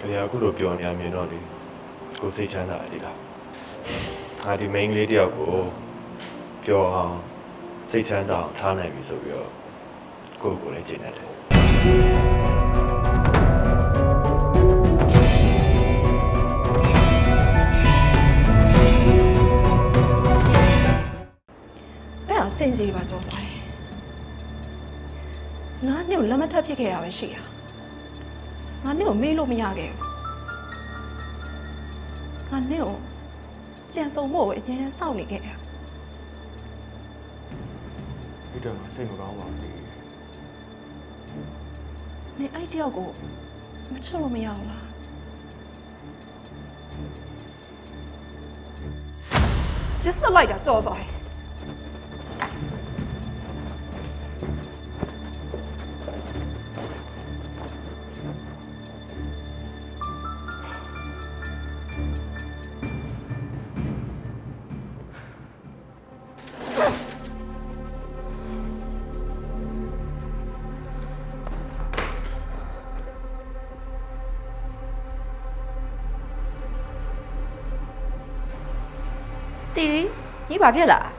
ရအခုလိုပြောနေရမြင်တော့လေကိုစိတ်ချမ်းသာတယ်လားငါဒီ main လေးတယောက်ကိုပြောအောင်စိတ်ချမ်းသာအောင်ထားနိုင်ပြီဆိုပြီးတော့ကိုလည်းကျင့်တတ်တယ်စင်ကြီးပါကြောစားတယ်ငါနဲ့ကိုလက်မထပ်ဖြစ်ခဲ့တာပဲရှိတာငါနဲ့ကိုမေးလို့မရခဲ့ဘူးငါနဲ့ကိုကြံစုံဖို့ပဲအများနဲ့စောင့်နေခဲ့တာဒီတော့စိတ်မကောင်းပါဘူးနေအဲ့တယောက်ကိုမချလို့မရဘူးလားရစ်စလိုက်တာကြောစားတယ်တီရီညီဘာဖြစ်လား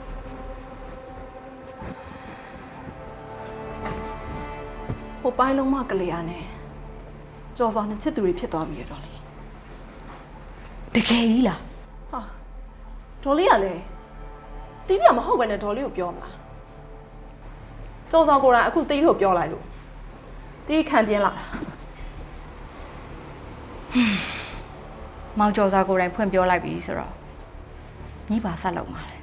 ဟိုပိုင်းလုံးမကလေးရနဲ့ကြော်စောနှစ်ချစ်သူတွေဖြစ်သွားပြီတော့လေတကယ်ကြီးလားဟာဒေါ်လေးကလည်းတီးပြမဟုတ်ပဲနဲ့ဒေါ်လေးကိုပြောမလားကြော်စောကိုယ်တိုင်အခုတီးလို့ပြောလိုက်လို့တီးခံပြင်းလာတာမောင်ကျော်စာကိုယ်တိုင်ဖွင့်ပြောလိုက်ပြီဆိုတော့ညီပါဆက်လုံးပါလေ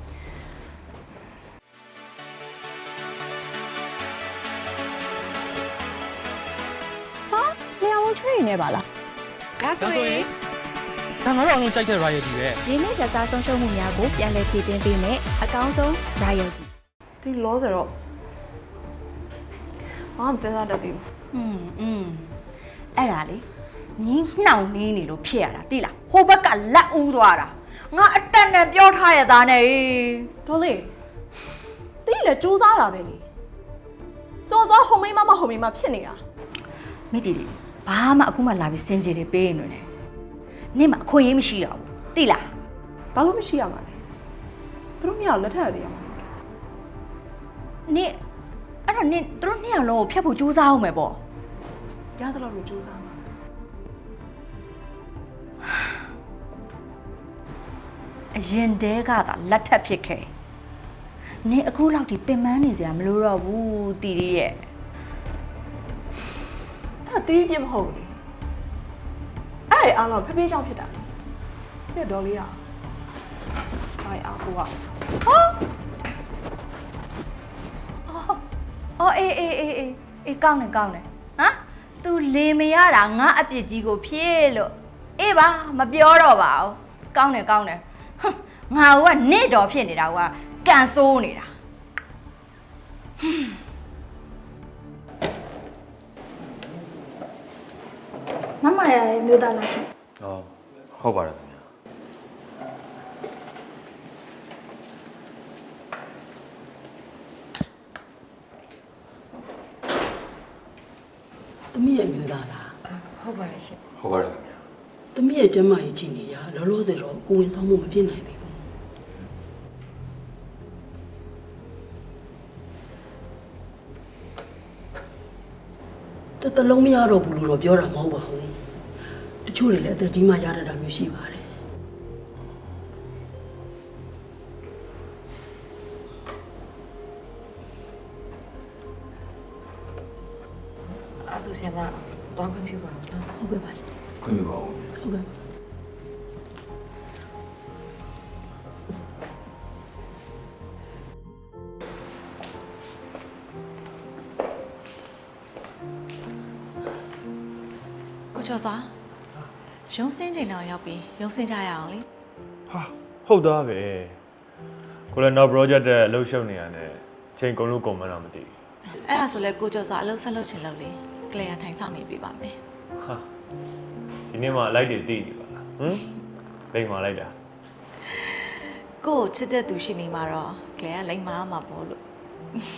ဟာနေရာဝန်ချွေးနေပါလားဒါဆိုရင်ဒါငါတို့အလုံးကြိုက်တဲ့ royalty ပဲရင်းနှီးကြစားဆုံးရှုံးမှုများကိုပြန်လည်ဖြည့်တင်းပေးမယ်အကောင်းဆုံး royalty တီးလောဆိုတော့ဘာမှမစဉ်းစားတတ်သေးဘူးအဲ့ဒါလေညီနှောင်နေနေလို့ဖြစ်ရတာတိလားဟိုဘက်ကလက်ဦးသွားတာငါအတက်နဲ့ပြောထားရသားနဲ့ဒေါ်လေးတီးလည်းစူးစမ်းတာပဲလေကြော်စောဟိုမိမဖြစ်နေတာမိတီလေးဘာမှအခုမှလာပြီးစင်ကြေတွေပေးနေတယ်နင့်မှာအခွင့်အရေးမရှိတော့ဘူးတိလားဘာလို့မရှိရမှာလဲသူတို့မြောက်လက်ထပ်ရသေးရမှာနင့်အဲ့တော့နင့်သူတို့နှစ်ယောက်လုံးကိုဖျက်ဖို့ကြိုးစားအောင်မယ်ပေါ့ရသလောက်လို့ကြိုးစားမှာအရင်တည်းကသာလက်ထပ်ဖြစ်ခဲ့နင့်အခုလောက်ဒီပင်ပန်းနေစရာမလိုတော့ဘူးတီရီရဲ့အဲ့တီးပြမဟုတ်ဘူးလေအဲ့အားလုံးဖေးကြောင့်ဖြစ်တာပြဒေါ်လေးอ่ะဘာအားကိုကအော်အေးကောင်းတယ်ဟမ် तू လေမရတာငါအပြစ်ကြီးကိုဖြည့်လို့အေးပါမပြောတော့ပါဘူးကောင်းတယ်ဟမ်ငါကနေ့တော်ဖြစ်နေတာကကန်ဆိုးနေတာမမရရဲ့မြို့သားလားရှင်ဟုတ်ပါတယ်ခင်ဗျာသမီးရဲ့မျိုးသားလားဟုတ်ပါတယ်ရှင်ဟုတ်ပါတယ်ခင်ဗျာသမီးရဲ့ကျမကြီးကြည့်နေရလောလောဆယ်တော့ကိုဝင်ဆောင်မှုမဖြစ်နိုင်သေးဘူးတလုံးမရတော့ဘူးလို့တော့ပြောတာမဟုတ်ပါဘူးတချို့တွေလည်းအသက်ကြီးမှရတတ်တာမျိုးရှိပါတယ်အဲ့ဆိုဆရာမတော့ခွင့်ပြုပါဦးနော်ဟုတ်ကဲ့ပါရှင်ခွင့်ပြုပါဦးဟုတ်ကဲ့ကိုကျော်စွာရုံးစင်းချိန်တောင်ရောက်ပြီးရုံးစင်းကြရအောင်လေဟာဟုတ်သားပဲကိုလည်းနောက် project တဲ့အလုပ်ရှုပ်နေရတယ်ချိန်ကုန်လို့ကုန်မှန်းတော့မသိဘူးအဲ့ဒါဆိုလဲကိုကျော်စွာအလုပ်ဆက်လုပ်ချင်လို့လေကလေးရထိုင်ဆောင်နေပြပါမယ်ဟာဒီနေ့မှလိုက်တွေတည်နေပါလားလိမ့်မာလိုက်တာကိုချစ်တဲ့သူရှိနေမှာတော့ကလေးကလိမ့်မာမှာပေါ့လို့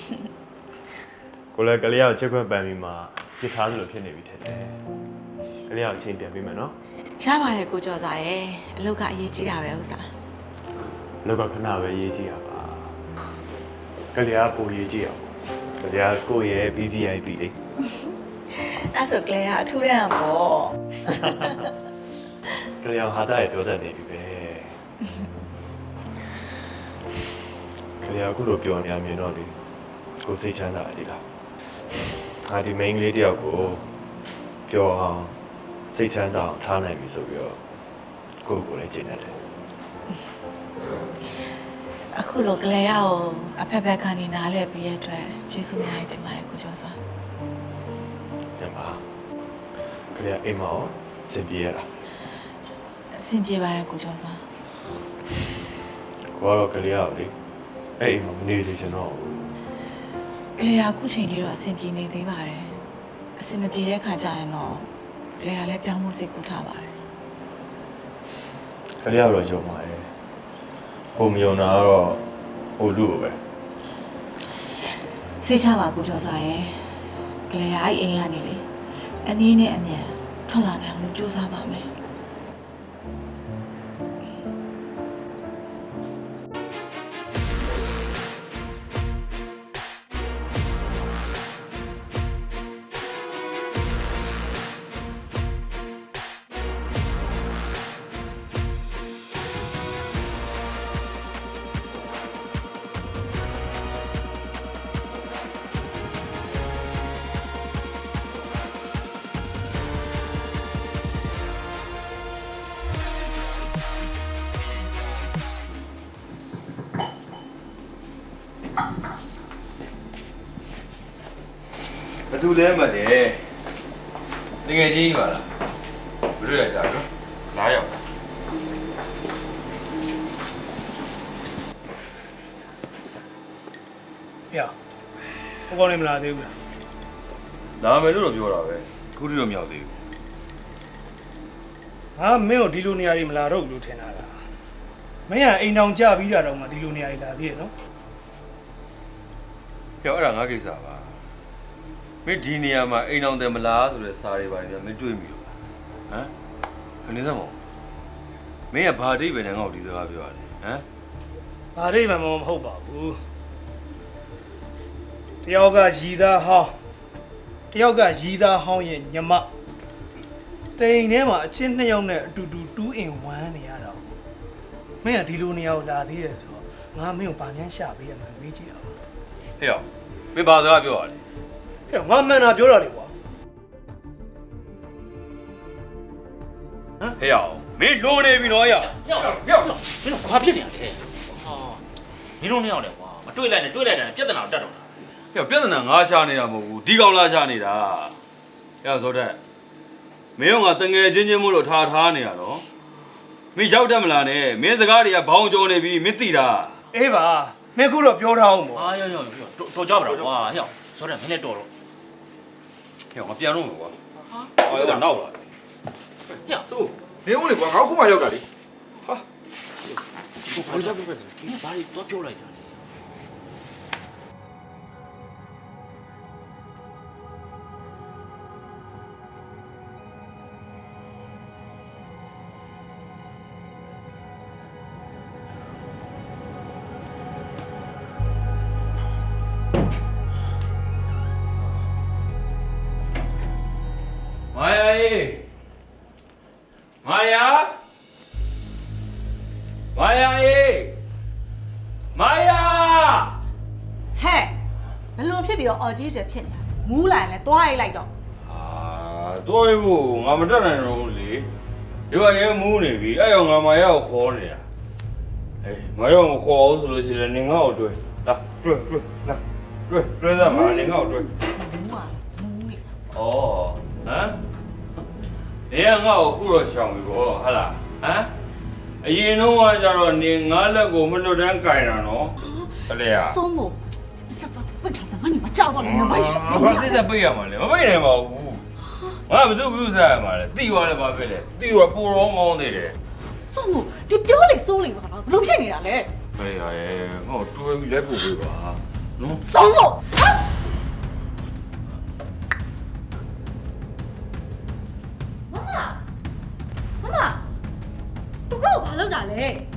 ကိုလည်းကလေးကိုချစ်ခွင့်ပန်ပြီးမှပြစ်ထားသလိုဖြစ်နေပြီထင်တယ်ကလေးအောင်ချင်းပြန်ပေးမယ်နော်ရပါတယ်ကိုကျော်သားရဲ့အလုပ်ကအရေးကြီးတာပဲဥစ္စာလောကခဏပဲရေးကြည့်ရပါကလေးကပိုရေးကြည့်အောင်ကလေးကကိုယ့်ရဲ့ VVIP လေးအဲ့ဆိုကလေးကအထူးတန်းပေါ့ကလေးအောင်ဟာတာရဲ့ပြောတတ်နေပြီပဲကလေးကအခုလိုပြောနေရမြင်တော့လေကိုစိတ်ချမ်းသာတယ်လားငါဒီ main လေးတယောက်ကိုပြောအောင်စိတ်ချမ်းသာအောင်ထားနိုင်ပြီဆိုပြီးတော့ကိုလည်းကျင့်တတ်တယ်အခုလိုကလေးကိုအဖက်ဖက်ကနေနားလဲပြီးရတဲ့ကျေးဇူးများတင်ပါတယ်ကိုကျော်သားကျန်ပါကလေးအိမ်မှာစင်ပြေရလားအဆင်ပြေပါတယ်ကိုကျော်သားကိုကတော့ကလေးရောက်လေအဲ့အိမ်မှာမနေသေးချင်တော့ကလေးကအခုချိန်ထိတော့အဆင်ပြေနေသေးပါတယ်အဆင်မပြေတဲ့ခါကျရင်တော့ကလေးကလည်းပြောင်းမှုစိတ်ကူးထားပါတယ်ကလေးကတော့ယုံပါတယ်ဟိုမယုံတာကတော့ဟိုလူပဲစိတ်ချပါကိုကျော်သားရဲ့ကလေးကအဲ့အိမ်ကနေလေအနည်းနဲ့အမြန်ထွက်လာနိုင်အောင်လို့ကြိုးစားပါမယ်ဘသူလဲမှတယ်တကယ်ကြီးပါလားဘယ်လိုလဲစားနော်လာရောက်။ဟဲ့။ဘောကောင်းနေမလားသေးဘူးလားလာမယ်လို့တော့ပြောတာပဲခုထိတော့မရောက်သေးဘူး။ဟာမင်းကိုဒီလိုနေရာတွေမလာတော့ဘူးလို့ထင်တာလား။မင်းကအိမ်တောင်ကြပြီးတာတော့မှဒီလိုနေရာတွေလာသေးရဲ့နော်ဟဲ့အဲ့ဒါငါကိစ္စပါမင်းဒီနေရာမှာအိမ်အောင်တယ်မလားဆိုတဲ့စာတွေပါတယ်ဗျမင်းတွေးမိလို့ဟမ်ခဏစမ်းမမင်းကဘာတိပဲနဲ့ငါ့ကိုဒီစကားပြောရတယ်ဟမ်။ဘာရိပ်မှမဟုတ်ပါဘူး။တယောက်ကရည်သားဟောင်းတယောက်ကရည်သားဟောင်းရဲ့ညမတိမ်ထဲမှာအချင်းနှစ်ယောက်နဲ့အတူတူ2 in 1နေရတာ။မင်းကဒီလိုနေရာကိုလာသေးတယ်ဆိုတော့ငါမင်းကိုဗာမြန်ရှာပေးရမှာမေးကြည့်တာပါဟဲ့မင်းဘာစကားပြောရလဲ။ဟဲ့ငါမှန်တာပြောတာလေကွာဟဲ့မင်းလိုနေပြီနော်ဟဲ့မင်းတို့ဘာဖြစ်နေရလဲဟာမင်းတို့နှစ်ယောက်လဲကွာမတွေ့လိုက်နဲ့တွေ့လိုက်တယ်ပြဿနာတက်တော့တာဟဲ့ပြဿနာငါရှာနေတာမဟုတ်ဘူးဒီကောင်လာရှာနေတာဟဲ့ဇော်တက်မင်းကငါတငယ်ချင်းချင်းမို့လို့ထားနေရတော့မင်းရောက်တတ်မလားနဲ့မင်းစကားတွေကဘောင်းကြုံနေပြီမင်းသိတာ။အေးပါမင်းခုတော့ပြောထားအောင်ပေါ့ဟာရောက်တော်ကြပါတော့ကွာဟဲ့ဆိုတော့မင်းလည်းတော်တော့ဟဲ့ငါပြန်လို့မယ်ကွာဟာအဲ့ဒါနောက်လာဟဲ့ဆိုနေဦးလေကွာငါခုမှရောက်တာလေဟာဒီဘာလို့ပြောလဲဒီဘာလို့တော့ပြောလိုက်တာလဲမာယာရေမာယာမာယာရေမာယာဟဲ့ဘလို့ဖြစ်ပြီးတော့အော်ကြီးကျယ်ဖြစ်နေတာမူးလာရင်လဲတွားရိုက်လိုက်တော့အာတော်ရဖို့ငါမတက်နိုင်တော့ဘူးလေဒီကရဲမူးနေပြီအဲ့ရောငါမာယာကိုခေါ်နေတာအေးမာယာကိုခေါ်အောင်ဆိုလို့ရှိရင်နေငါ့ကိုတွေ့လာတွေ့လာတွေ့စမ်းပါနေငါ့ကိုတွေ့မူးอ่ะမူးနေဩဟမ်နေငါ့ကိုခုတော့ရှောင်ပြီဗောဟာလားဟမ်အရင်တော့ကကြတော့နေငါလက်ကိုမလွတ်တန်းကင်တာနော်တလေယာ松某စပါပထစားမနီမကြောက်တော့လည်းမရှိဘာသစ္စာပိတ်ရမှာလဲမပိတ်နိုင်ပါဘူးငါဘယ်သူပြုစားရမှာလဲတိသွားလဲဘာဖြစ်လဲတိသွားပိုတော့ကောင်းသေးတယ်松某ဒီပြောလေစိုးလေပါလားဘလို့ဖြစ်နေတာလဲဟဲ့ရဲငါတွဲပြီးလဲပို့ပေးပါနော်松某လုပ်တာလဲ